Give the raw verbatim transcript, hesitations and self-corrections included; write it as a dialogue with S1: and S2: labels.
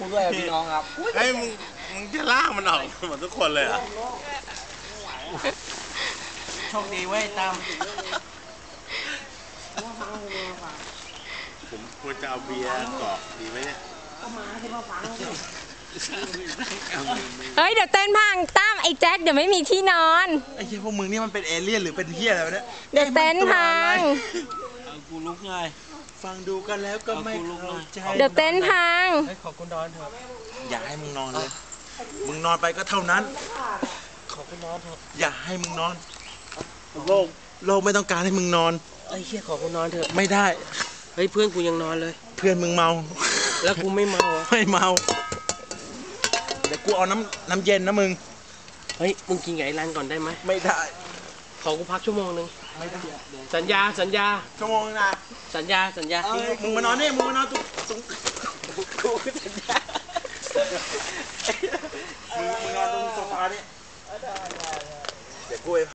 S1: ด้วยพี่น้องครับ
S2: ไอ้มึงมึงจะลากมันออกหมดทุกคนเลยอ่ะ
S1: โชคดีเว้ยตั้ม
S2: ผมควรจะเอาเบียร์กรอกดีไหมเนี่ย
S3: เฮ้ยเดี๋ยวเต้นพังตั้มไอ้แจ็คเดี๋ยวไม่มีที่นอน
S4: ไอ้เหี้ยพวกมึงนี่มันเป็นเอเลี่ยนหรือเป็นเหี้ยอะไรวะเนี่ย
S3: เดี๋ยวเต้นพัง
S1: เอากูลุกไง
S4: ฟังดูกันแล้วก็ไม่เข้าใจ
S3: เดี๋ยวเต้นพัง
S1: ขอกูนอนเถอะ
S4: อย่าให้มึงนอนเลยมึงนอนไปก็เท่านั้น
S1: ขอกูนอนเถอะ
S4: อย่าให้มึงนอนโลกโลกไม่ต้องการให้มึงนอน
S1: ไอ้เหี้ยขอกูนอนเถอะ
S4: ไม่ได้
S1: เฮ้ยเพื่อนกูยังนอนเลย
S4: เพื่อนมึงเมา
S1: แล้วกูไม่เมา
S4: ไม่เมาเดี๋ยวกูเอาน้ำน้ำเย็นนะมึง
S1: เฮ้ยมึงกินไก่รันก่อนได้ไหม
S4: ไม่ได้
S1: ขอกูพักชั่วโมงนึง
S4: ไม่ได้
S1: สัญญาสัญญา
S4: ชั่วโมงนึงนะ
S1: สัญญาสัญญา
S4: มึงมานอนนี่มึงมานอนตรงตรง
S1: กูสัญญา
S4: มึงมึงนอนตรงโซฟานี่เดี๋ยวกู